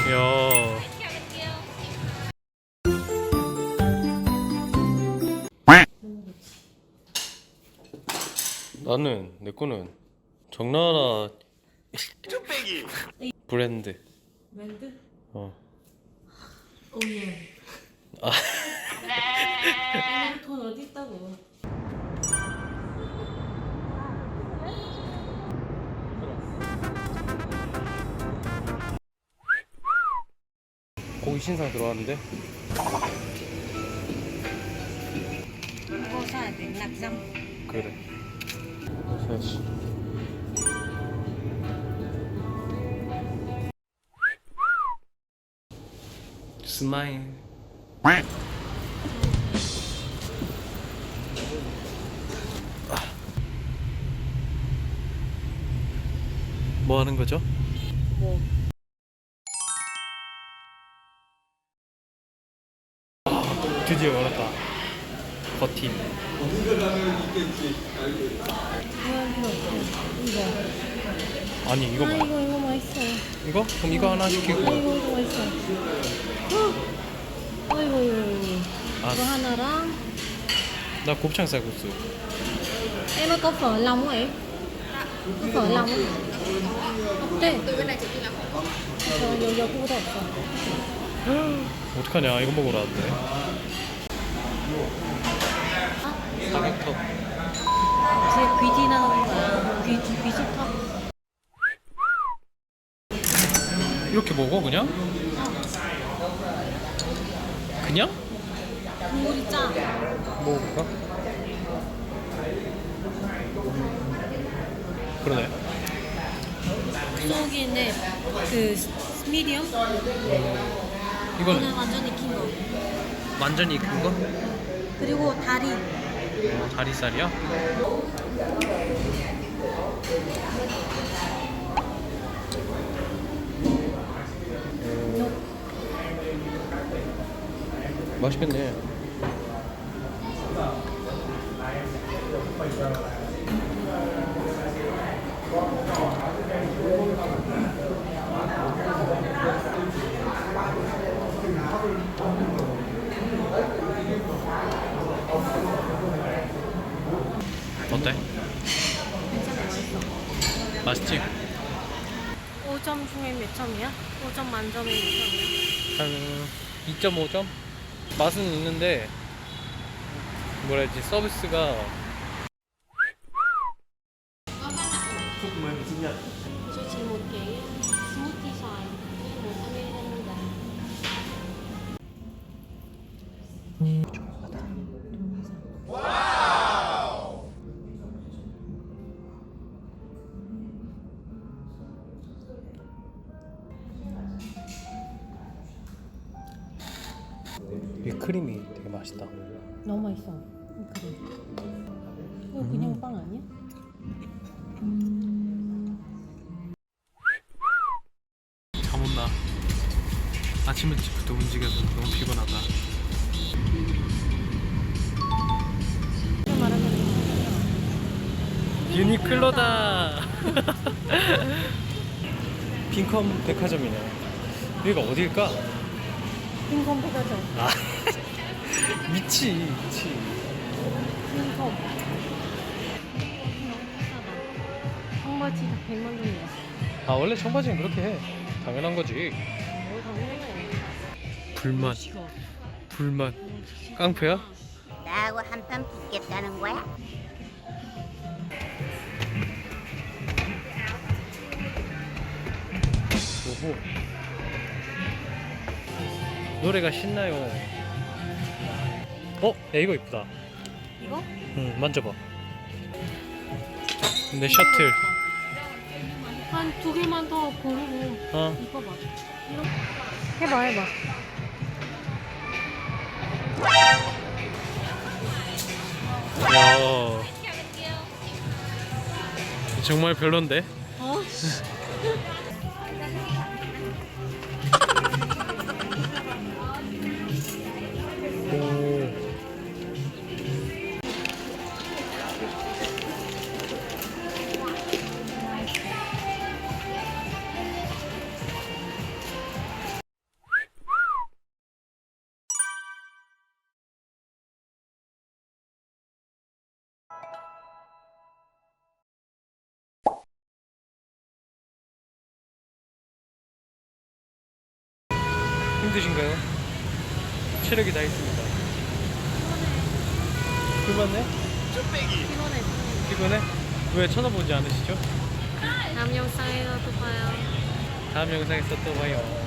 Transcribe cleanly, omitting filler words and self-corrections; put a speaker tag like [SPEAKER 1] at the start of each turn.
[SPEAKER 1] 야. 나는 내 거는 정나라
[SPEAKER 2] 쭈빼기.
[SPEAKER 1] 브랜드.
[SPEAKER 3] 브랜드?
[SPEAKER 1] 어.
[SPEAKER 3] 오예.
[SPEAKER 1] 아.
[SPEAKER 3] 돈 어디 있다고?
[SPEAKER 1] 고기 신상 들어왔는데.
[SPEAKER 3] 이거 사야 돼. 낙장.
[SPEAKER 1] 그래. 사야지. 스마일. 뭐 하는 거죠?
[SPEAKER 3] 뭐?
[SPEAKER 1] 드디어 열었다. 버팀.
[SPEAKER 3] 이거.
[SPEAKER 1] 아니 이거 뭐?
[SPEAKER 3] 이거 맛있어.
[SPEAKER 1] 이거? 그럼 이거 하나 시키고.
[SPEAKER 3] 이거 맛있어. 이거
[SPEAKER 1] 아,
[SPEAKER 3] 이거 하나랑.
[SPEAKER 1] 나 곱창 쌀국수.
[SPEAKER 3] Em ơi có phở lòng không em? Có phở lòng không? 어때? 여기보다 없어.
[SPEAKER 1] 어떡하냐 이거 먹으러 왔네. 삼겹턱.
[SPEAKER 3] 뒤에 귀 지나가는 거야. 귀집터.
[SPEAKER 1] 이렇게 먹어 그냥? 그냥?
[SPEAKER 3] 국물이 짜.
[SPEAKER 1] 먹어볼까? 그러네.
[SPEAKER 3] 소고기인데 그 미디엄?
[SPEAKER 1] 이건
[SPEAKER 3] 이거는 완전 익힌 거.
[SPEAKER 1] 완전히 익은 거?
[SPEAKER 3] 그리고 다리.
[SPEAKER 1] 다리살이야? 맛있겠네. 어때? 맛있지?
[SPEAKER 3] 5점 중에 몇 점이야? 5점 만점에 몇 점이야?
[SPEAKER 1] 한 2.5점? 맛은 있는데 뭐라 해야지 서비스가
[SPEAKER 3] 저 지금 먹게 스무티 사이 뭐 사면 했는데
[SPEAKER 1] 이 크림이 되게 맛있다.
[SPEAKER 3] 너무 맛있어. 그래. 이거 그냥 빵 아니야?
[SPEAKER 1] 잠 온다. 아침 일찍부터 움직여서 너무 피곤하다.
[SPEAKER 3] 이거 말하면
[SPEAKER 1] 유니클로다. 빈컴 백화점이네. 여기가 어딜까?
[SPEAKER 3] 빈컴 백화점.
[SPEAKER 1] 아 미치.
[SPEAKER 3] 빈컴. 청바지 다 100만 원이야.
[SPEAKER 1] 아 원래 청바지는 그렇게 해. 당연한 거지.
[SPEAKER 3] 뭘 당연해.
[SPEAKER 1] 불맛.
[SPEAKER 3] 싫어.
[SPEAKER 1] 불맛. 깡패야?
[SPEAKER 4] 나하고 한판 붙겠다는 거야?
[SPEAKER 1] 오호. 노래가 신나요. 어? 야 이거 이쁘다.
[SPEAKER 3] 이거?
[SPEAKER 1] 응 만져봐. 근데 셔틀.
[SPEAKER 3] 한 두 개만 더 고르고
[SPEAKER 1] 어.
[SPEAKER 3] 입어봐. 해봐.
[SPEAKER 1] 야. 정말 별론데?
[SPEAKER 3] 어?
[SPEAKER 1] 오. 힘드신가요? 체력이 다 있습니다. 피곤해?
[SPEAKER 2] 쭈빼기.
[SPEAKER 3] 피곤해.
[SPEAKER 1] 피곤해? 왜 쳐다보지 않으시죠?
[SPEAKER 3] 다음 영상에서 또 봐요.
[SPEAKER 1] 다음 영상에서 또 봐요.